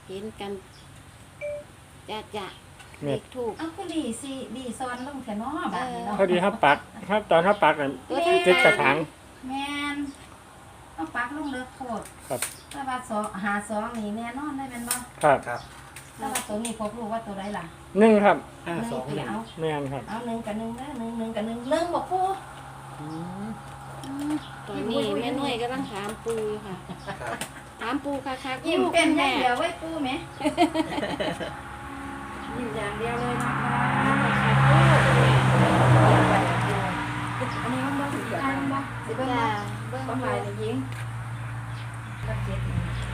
เห็นกันจะเลแม่ขถูกเอาคือดีซ้อนลงแค่น้อบัดนี้เนาะพอดีครับปักครับตอนถ้าปักน่ะตัวทั้งติดกระถางแม่นเอาปักลงเลิกโคตรครับแต่ว่าหาสองนี่แน่นอนได้แม่นบ่ครับครับแต่ว่าตัวนี้พบรู้ว่าตัวใดล่ะ 1ครับหนึ่ง 521 เอาแม่นครับเอา1กับ1เด้อ1กับ1บ่ปูตอนนี้แม่นุ่ยกำลังถามปูอยู่ค่ะครับถามปูค่ะค่ะยิ้มลูกเป็นอแม่ย่างเดียวไว้ปูแหมยิ้มอย่างเดียวเลยนะคะอันนี้มันบ่สิได้มันบ่สิเบิ่งจ้าบ่เบิ่งบ่หมายเลยยิงบัดเจ็ดนี่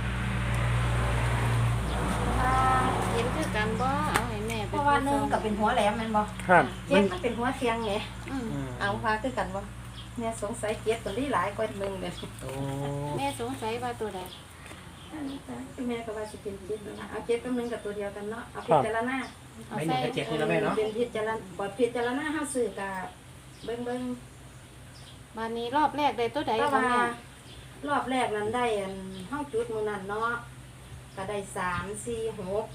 เห็นคือกันบ่เอาให้แม่เพราะว่าหนึ่งก็เป็นหัวแหลมแม่นบ่ครับเจ็ดมันเป็นหัวเทียงไงอืมเอาพาคือกันบ่เนี่ยสงสัยเจ็ดตัวนี้หลายกว่าหนึ่งเลยโอ้แม่สงสัยว่าตัวใดแม่ก็ว่าสิเป็นเจ็ดนั่นล่ะเอาเจ็ดกับหนึ่งกับตัวเดียวกันเนาะเอาพิจารณาเอาไม่หใส่นึ่งกับ7นี่แล้วแม่เนาะเป็นพิจารณาบ่พิจารณาเฮาซื้อก็เบิ่งวันนี้รอบแรกได้ตัวใดแต่คะว่าแม่รอบแรกนั้นได้อันเฮาจุดมื้อนั้นเนาะก็ได้3 4 6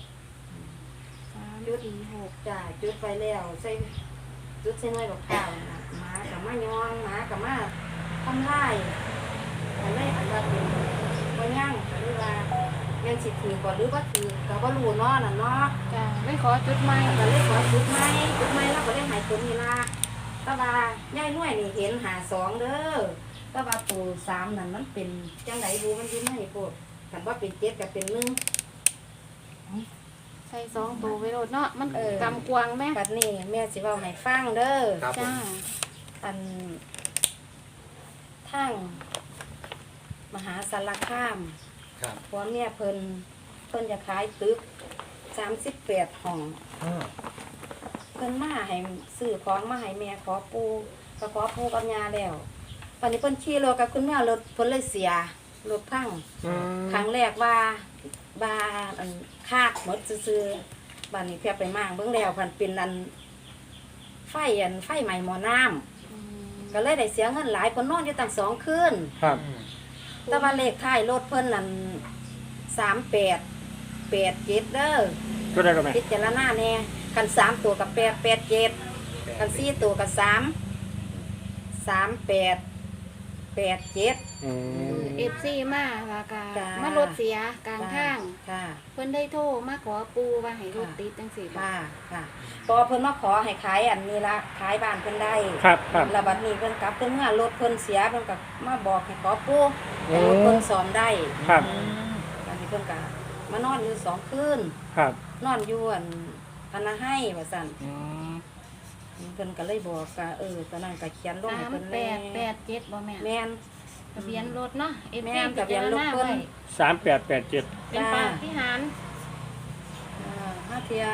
346 จ้าจุดไปแล้วใส่จุดใส่หน่วยดอกข้าวน่ะหมากับมายองหมากับมาทำลายอันนี้อันว่าเป็นบ่ย่างก็เลยว่าแม่นสิถือก่อนหรือบ่ถือก็บ่รู้เนาะนั่นเนาะจ้าไม่ขอจุดใหม่ก็เลยขอจุดไม้แล้วก็ได้หายตัวนี้ล่ะแต่ว่ายายหน่วยนี่เห็น52เด้อแต่ว่าตัว3นั่นมันเป็นจังไดบ่มันอยู่ในโพดคันว่าเป็น7ก็เป็น1 ใส่2ตัวไว้โลดเนาะมันเออกำกวางแม่บัดนี้แม่สิเว้าให้ฟังเด้อครับผมจ้าอันทั้งมหาสารคามครับผัวเมียเพิ่นจะขายตึก38ห้องอ้อเพิ่นมาให้ซื้อของมาให้แม่ขอปูก็ขอปูกับยาแล้วตอนนี้เพิ่นขี่รถกับคุณแม่รถเพิ่นเลยเสียรถพังอืมครั้งแรกว่าอันคากหมดซื่อๆบัดนี้เพียไปมางเบิ่งแล้วพันเป็นอันไฟใหม่หม้อน้ำอืมก็เลยได้เสียเงินหลายเพิ่นนอนอยู่ตั้ง2คืนครับแต่ว่าเลขท้ายรถเพิ่นนั่น3887เด้อก็ได้ก็แม่พิจารณาแน่คัน3ตัวกับ887คัน4ตัวกับ3887 อืม FC มาแล้วก็จ้ามมารถเสียกลางทางค่ะเพิ่นได้โทรมาขอปูว่าให้รถติดจังซี่บ่ค่ะพอเพิ่นมาขอให้ขายอันนี้ละขายบ้านเพิ่นได้ครับครับแล้วบัดนี้เพิ่นกลับเพิ่นเมื่อรถเพิ่นเสียเพิ่นก็มาบอกให้ขอปูโอ้ให้รถเพิ่นซ่อมได้ครับบัดนี้เพิ่นก็มานอนอยู่2คืนครับนอนอยู่อันพนาให้ว่าซั่นอืมเพิ่นก็เลยบอกว่าตอนนั้นก็เขียนลงให้เพิ่นแน่ 3887บ่แม่แม่นทะเบียนรถเนาะแม่นทะเบียนรถเพิ่น 3887 เป็นปาฏิหาริย์ห้าเทีย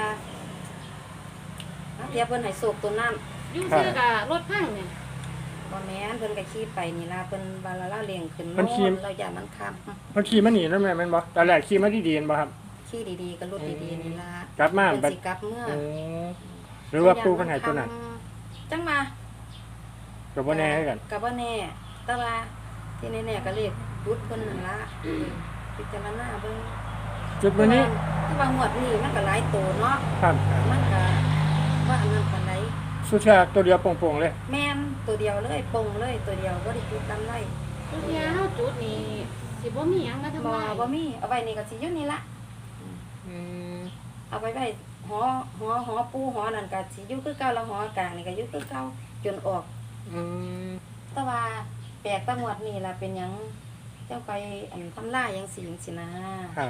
เพิ่นให้สูบตัวนั้นอยู่ซื่อกับรถพังเนี่ยบ่แม่นเพิ่นก็ขี่ไปนี่ล่ะเพิ่นบาลาลาเลี้ยงขึ้นเพิ่นขี่เราอย่ามันค้เพิ่นขี่มาหนีแล้วแม่แม่นบ่ตอนแรกขี่มาดีๆเห็นบ่ครับำขี่ดีๆก็รถดีๆนี่ล่ะกลับมาเพิ่นบัดสิกลับเมื่อโอ้หรือว่าปูเพิ่นให้ตัวนั้นจังมาก็บ่แน่คือกันก็บ่แน่แต่ว่าที่แน่ๆก็เลขรุดเพิ่นนั่นล่ะพิจารณาเบิ่งจุดวันนี้ที่ว่างวดนี้มันก็หลายโตเนาะครับมันก็ว่าอันนั้นปานใดสุชาติตัวเดียวโป่งๆเลยแม่นตัวเดียวเลยปงเลยตัวเดียวบ่ได้จุดตามไว้ทุกเที่ยเฮาจุดนี่สิบ่มีหยังมาทำบ่ลายบ่มีเอาไว้นี่ก็สิอยู่นี่ละอืมเอาไว้หอปูหอนั่นก็สิอยู่คือเก่าแล้วหอกลางนี่ก็อยู่คือเก่าจนออกอืมแต่ว่าแปลกแตะงวดนี่ล่ะเป็นหยังเจ้าไปอันทำลายจังซี่จังซี่นะครับ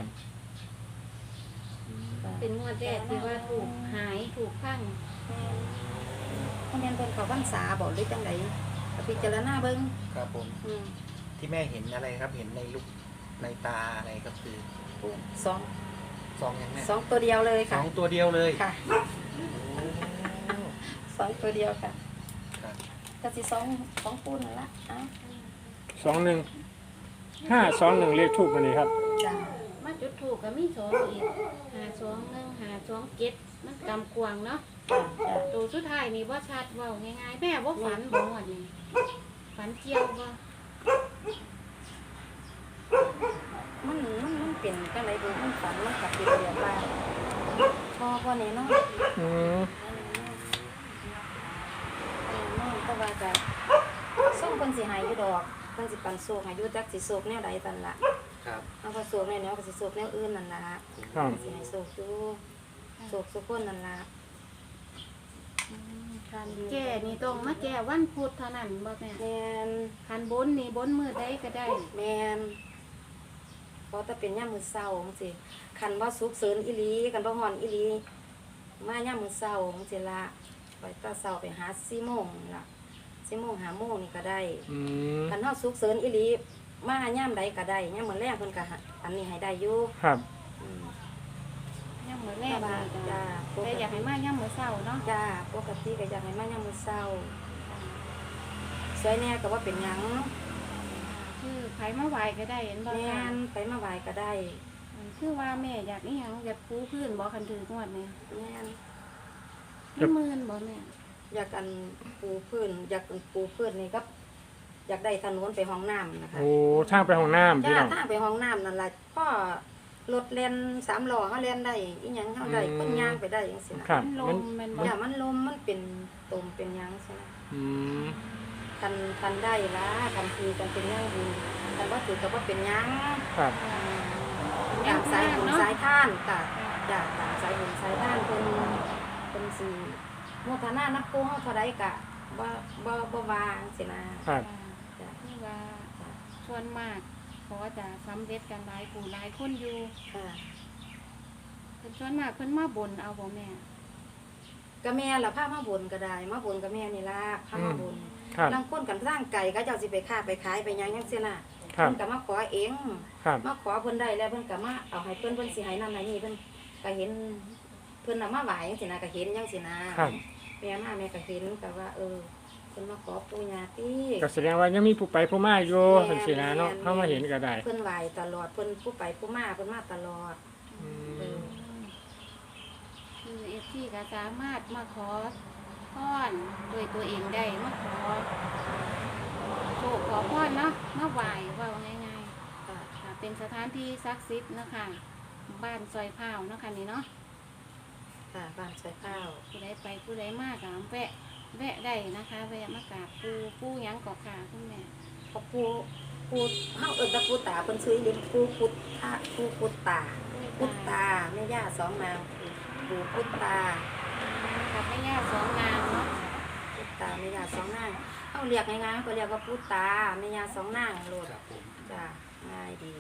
เป็นงวดแรกที่ว่าถูกหายถูกพังเพราะแม่นเพิ่นเข้าพรรษาบ่หรือจังไดก็พิจารณาเบิ่งครับผมอืมที่แม่เห็นอะไรครับ เห็นในลูกในตาอะไรก็คือสองซองยังแม่สองตัวเดียวเลยสค่ะองตัวเดียวเลยค่ะโอ้สองตัวเดียวค่ะครับก็สิสองปูนั่นละอ้าว 21 521เลขทูปวันนี้ครับจ้ามาจุดถูกก็มีสองอีก521 527มันกำกวางเนาะจ้าตัวสุดท้ายนี่บ่ชัดเว้าง่ายๆแม่บ่ฝันบ่งวดนี่ฝันเกี่ยวบ่มันเป็นจังไดดูมันฝันมันกับเป็นแบบว่าพ่อแน่นอนอืมแต่ว่าก็ส่งคนสิหายอยู่ดอกเพิ่นสิปันโศกให้อยู่จักสิโศกแนวใดตันล่ะครับเอาพอโศกแนวก็สิโศกแนวอื่นนั่นล่ะครับเพิ่นสิให้โศกอยู่โศกสุคนนั่นล่ะคันแก่นี่ต้องมาแก่วันพุธเท่านั้นบ่แม่แม่นคันบนนี่บนมือใดก็ได้แม่นเพราะแต่เป็นยามมื้อเช้าจังซี่คันบ่สุกเสริญอีหลีคันบ่ฮ้อนอีหลีมายามมื้อเช้าจังซี่ล่ะไปแตะเช้าไปหา4:00 นล่ะ4:00 น 5:00 นนี่ก็ได้อืมคันเฮาสุกเสริญอีหลีมายามใดก็ได้ยามมื้อแลงเพิ่นก็อันนี้ให้ได้อยู่ครับอืมย่ำมื้อแรกจ้านี่จ้าแต่อยากให้มาย่ำมื้อเช้าเนาะจ้าปกติก็อยากให้มายามมื้อเช้าสวยแน่ก็ว่าเป็นหยังคือไผมาไหว้ก็ได้เห็นบ่แม่ค่ะนไปมาไหว้ก็ได้คือว่าแม่อยากอีหยังอยากปูพื้นบ่คันถืองวดนี่แม่นมีหมื่นบ่แม่อยากอันปูพื้นอยากอันปูพื้นนี่ก็อยากได้ถนนไปห้องน้ำนะคะโอ้ทางไปห้องน้ำพี่จ้าน้องถ้าไปห้องน้ำนั่นล่ะพ่อรถแล่น3ล้อเฮาแล่นได้อีหยังเฮาได้คนย่างไปได้จังซี่นะครับมันลมันมแม่นบ่อย่ามันลมมันเป็นตมเป็นหยังใช่ไหมอืมคันได้ละคันคือกันเป็นหยังบุญคันบ่ถือก็บ่เป็นหยังครับตามสายบุญสายท่านค่ะจ้ะตามสายบุญสายท่านเพิ่นสิโมทนานับปูเฮาเท่าใดก็บ่วางสินะครับ จ้ะคือว่าส่วนมากเพราะว่าจะสำเร็จกันหลายผู้หลายคนอยู่ค่ะเพิ่นส่วนมากเพิ่นมาบนเอาบ่แม่ก็แม่ล่ะพามาบุญก็ได้มาบุญกับแม่นี่ล่ะพามาบุญครับลางคนกันสร้างไก่ก็เจ้าสิไปค้าไปขายไปหยังจังซี่น่ะครับเพิ่นก็มาขอเองครับมาขอเพิ่นได้แล้วเพิ่นก็มาเอาให้เพิ่นสิให้นั่นให้นี่เพิ่นก็เห็นเพิ่นน่ะมาไหว้จังซี่นะก็เห็นจังซี่นะครับ แม่มาแม่ก็เห็นก็ว่าเเพิ่นมาขอปู่ย่าติก็แสดงว่ายังมีผู้ไปผู้มาอยู่จังซี่นะเนาะเข้ามาเห็นก็ได้เพิ่นไหว้ตลอดเพิ่นผู้ไปผู้มาเพิ่นมาตลอดอืมคือFC ก็สามารถมาขอพรด้วยตัวเองได้มาขอโชคขอพรเนาะมาไหว้เว้าง่ายๆค่ะค่ะเป็นสถานที่ศักดิ์สิทธิ์เนาะคะบ้านซอยพร้าวเนาะค่ะนี่เนาะค่ะบ้านใส่ข้าวผู้ใดไปผู้ใดมากก็แวะได้นะคะแวะมากราบปูหยังเกาะขาคุณแม่เพราะปู่เฮาเอิ้นว่าปู่ตาเพิ่นซื้อเลี้ยงปู่พุทธะปู่พุทธาพุทธาแม่ย่าสองนางปู่พุทธากับแม่ย่าสองนางเนาะพุทธาแม่ย่าสองนางเฮาเรียกง่ายๆเฮาก็เรียกว่าพุทธาแม่ย่าสองนางโลดครับผมจ้ะง่ายดี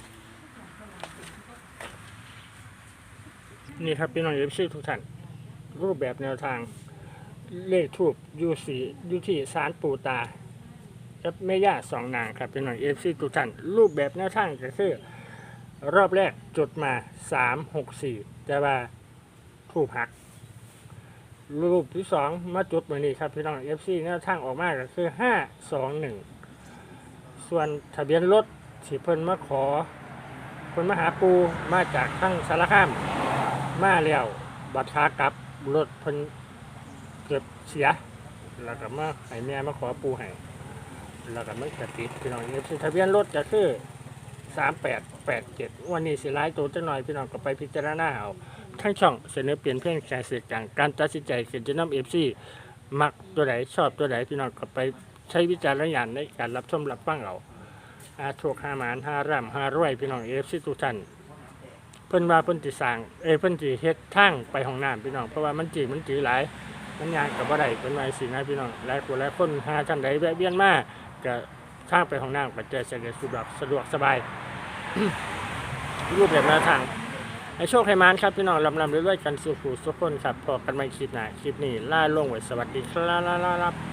นี่ครับพี่น้องเอฟซีทุกท่านรูปแบบแนวทาง เลขทูบอยู่ที่ศาลปู่ตาและแม่ย่าสองนางครับพี่น้องเอฟซีทุกท่านรูปแบบแนวทางก็คือรอบแรกจุดมา364แต่ว่าทูบหัก รูปที่สองมาจุดเหมือนนี้ครับพี่น้องเอฟซีแนวทางออกมาก็คือ521ส่วนทะเบียนรถที่เพิ่นมาขอเพิ่นมาหาปูมาจากทั้งสารคามมาแล้วบัดขากลับรถเพิ่นเกิดเสีย แล้วก็มาให้แม่มาขอปูให้แล้วก็มันกระติดพี่น้องเอฟซีทะเบียนรถก็คือ3887วันนี้สิหลายตัวจังหน่อยพี่น้องก็ไปพิจารณาเอาทั้งช่องเสนอเปลี่ยนเพียงแค่สื่อกลางการตัดสินใจเขียนจะนำเอฟซีมักตัวไหนชอบตัวไหนพี่น้องก็ไปใช้วิจารณญาณในการรับชมรับฟังเอาถูก5หมาน5ร่ำ5รวยพี่น้องเอฟซีทุกท่านเพิ่นว่าเพิ่นสิสร้างเพิ่นสิเฮ็ดทางไปห้องน้ำพี่น้องเพราะว่ามันจืดหลายมันยากกับบ่ได้เพิ่นว่าสินะพี่น้องหลายคนหาท่านใดแวะเวียนมาก็ทางไปห้องน้ำก็จะสะดวกสบาย รูปแบบแนวทางให้โชคให้มานครับพี่น้องลำเรื่อยๆกันสู่ผู้สุขคนครับพอกันใหม่คลิปหน้าคลิปนี้ล่าลงไว้สวัสดีครับ